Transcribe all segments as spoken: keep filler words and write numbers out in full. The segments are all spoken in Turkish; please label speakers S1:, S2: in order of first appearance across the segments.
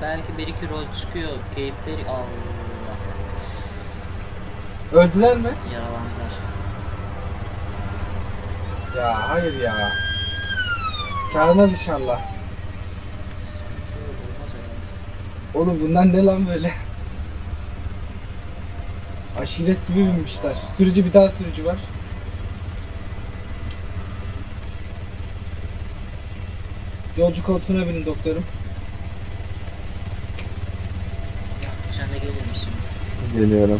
S1: belki bir iki rol çıkıyor. Keyifleri Allah.
S2: Öldüler mi?
S1: Yaralandılar.
S2: Ya hayır ya. Çağırmaz inşallah.
S1: Sıkıntısı olmaz herhalde.
S2: Oğlum bunlar ne lan böyle? Aşiret gibi binmişler. Sürücü bir daha sürücü var. Yolcu koltuğuna binin doktorum.
S1: Sen de gelir misin?
S3: Geliyorum.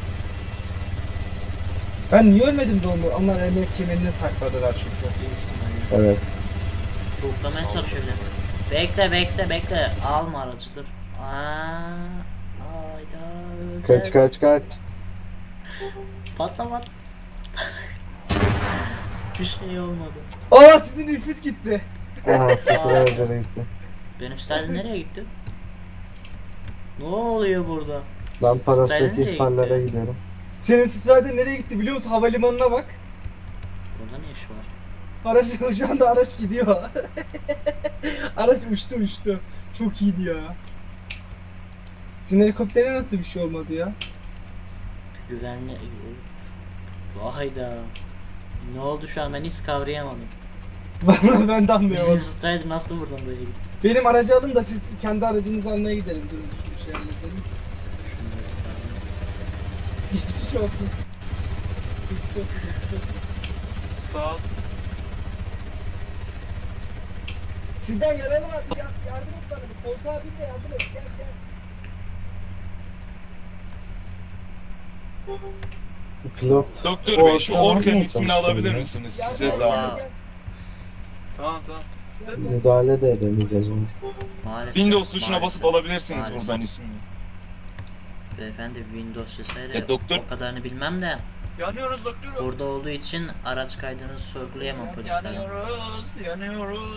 S2: Ben niye ölmedim de onu? Onlar emniyet kemerini takmadılar çünkü.
S1: Büyük ihtimalle.
S3: Evet.
S1: Tuğuklamaya çalışıyor bile. Bekle bekle bekle. Alma aracı dur. Aa, hayda öleceğiz.
S3: Kaç kaç kaç.
S1: Patla patla. Bir şey olmadı.
S2: Aa sizin infit gitti.
S3: Aha sıfır evlere gitti.
S1: Benim Sterling nereye gitti? Ne oluyor burada?
S3: Ben
S1: Sterling
S3: parasiteki
S1: nereye
S3: ihbarlara
S1: gitti?
S3: gidiyorum.
S2: Senin Strider nereye gitti biliyor musun? Havalimanına bak.
S1: Burada ne iş var?
S2: Araç şu anda araç gidiyor. Araç uçtu uçtu. Çok iyiydi ya. Sizin helikoptere nasıl bir şey olmadı ya?
S1: Güvenli... Hayda. Ne oldu şu an ben hiç kavrayamadım.
S2: Vallahi ben de
S1: Benim
S2: anlayamadım.
S1: Strider nasıl buradan böyle gitti?
S2: Benim aracı alın da siz kendi aracınızı almaya gidelim. Durun şu şey halledelim.
S1: Şunları tutalım.
S2: Geçmiş olsun. Geçmiş olsun, geçmiş olsun.
S4: Sağ ol.
S2: Sizden yaralı var. Ya, yardım et bana. Bir koltuğa bin de yardım et. Gel gel.
S3: Pilot.
S4: Doktor Bey şu
S3: Orta
S4: Orkan'ın
S3: nasıl
S4: ismini
S3: yapmışsın
S4: alabilir
S3: ya?
S4: misiniz?
S2: Gel,
S4: Size
S2: gel,
S4: zahmet.
S2: gel,
S4: Tamam tamam.
S2: gel.
S3: Müdahale de edemeyeceğiz onu.
S1: Maalesef.
S4: Windows tuşuna
S1: maalesef,
S4: basıp alabilirsiniz
S1: maalesef.
S4: buradan ismini.
S1: Beyefendi Windows vesaire
S4: E, doktor-
S1: o kadarını bilmem de
S4: Yanıyoruz doktorum.
S1: burada olduğu için araç kaydınızı sorgulayamam polislerden.
S4: Yanıyoruz, yanıyoruz.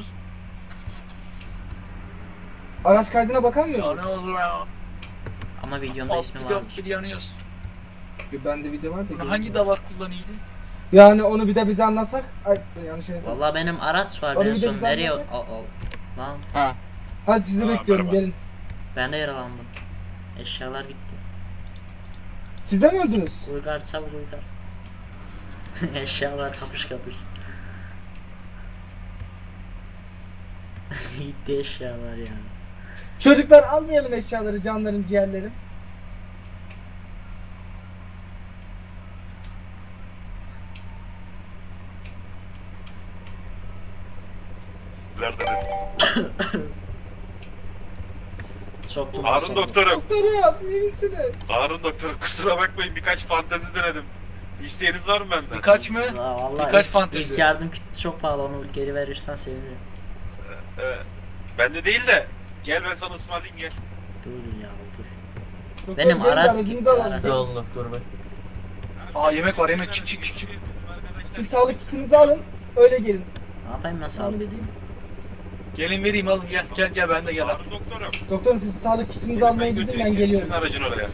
S2: Araç kaydına bakamıyor musun?
S4: Yanıyoruz.
S1: Ama videomda ismi
S4: Alt
S1: vardır.
S4: bir yanıyoruz.
S2: Bende video var da.
S4: Bunu
S2: göreceğim.
S4: hangi davar kullanıyordu?
S2: Yani onu bir de bize anlatsak. Ay yanlış şey.
S1: Vallahi benim araç var
S2: Onu
S1: ben
S2: bir de
S1: son
S2: biz
S1: nereye al,
S2: anlasak.
S1: al. Lan
S4: Ha.
S2: Hadi sizi
S4: Aa,
S2: bekliyorum
S4: merhaba.
S2: gelin.
S1: ben de yaralandım. Eşyalar gitti.
S2: Siz de mi öldünüz?
S1: Uygar çabuk Uygar. Eşyalar kapış kapış. Gitti eşyalar ya.
S2: Çocuklar almayalım eşyaları, canlarım, ciğerlerim.
S1: Çok
S5: Harun doktorum.
S2: Doktorum iyi misiniz?
S5: Harun doktor kusura bakmayın birkaç fantezi denedim. İsteğiniz var mı benden?
S4: Birkaç mı?
S1: Vallahi
S4: Birkaç
S1: ilk,
S4: fantezi.
S1: ilk yardım kiti çok pahalı onu geri verirsen sevinirim.
S5: Evet. Bende değil de gel ben sana ısmarlayayım gel.
S1: Dur ya dur.
S2: Doktor,
S1: Benim
S2: gelin de
S1: araç
S2: aracınızı
S1: gitti,
S2: alalım.
S1: araç.
S3: Sağ doktor bey.
S4: Aa yemek var yemek çık çık çık çık.
S2: Siz sağlık kitinizi alın, öyle gelin.
S1: Ne yapayım ben sağlık
S2: Sağlık
S1: kitimi?
S4: Gelin vereyim alın gel gel gel ben de gel.
S5: Harun doktorum.
S2: Doktorum siz sağlık kitinizi
S5: Gelin
S2: almaya
S5: ben
S2: gidin,
S5: götüreyim
S2: ben
S5: seni,
S2: geliyorum.
S5: Sizin aracın oraya.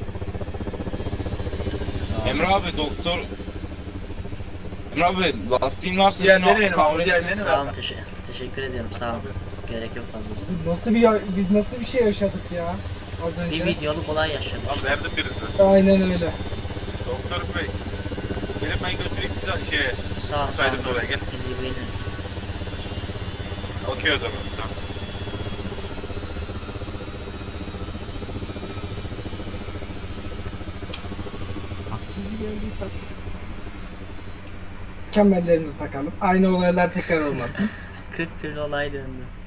S1: Sağ ol.
S4: Emre abi doktor. Emre abi lastiğin varsa Diğerleri şunu benim, kahretsin. diğerleri
S1: Sağ olun teşe teşekkür ediyorum sağ olun. Gerek yok fazlası.
S2: Biz nasıl bir ya- biz nasıl bir şey yaşadık ya az önce?
S1: Bir videoluk olay yaşadık
S5: Tamam
S1: işte.
S5: verdim birini.
S2: Aynen öyle.
S5: Doktor bey. Gelin ben götüreyim size şeye.
S1: Sağ ol sağ ol.
S5: Saydın oraya, gel.
S1: Biz, biz ilgileniriz.
S5: Okey o zaman. Tamam.
S2: Taksici geldi taksi. Kemerlerimizi takalım. Aynı olaylar tekrar olmasın.
S1: kırk türlü olay döndü.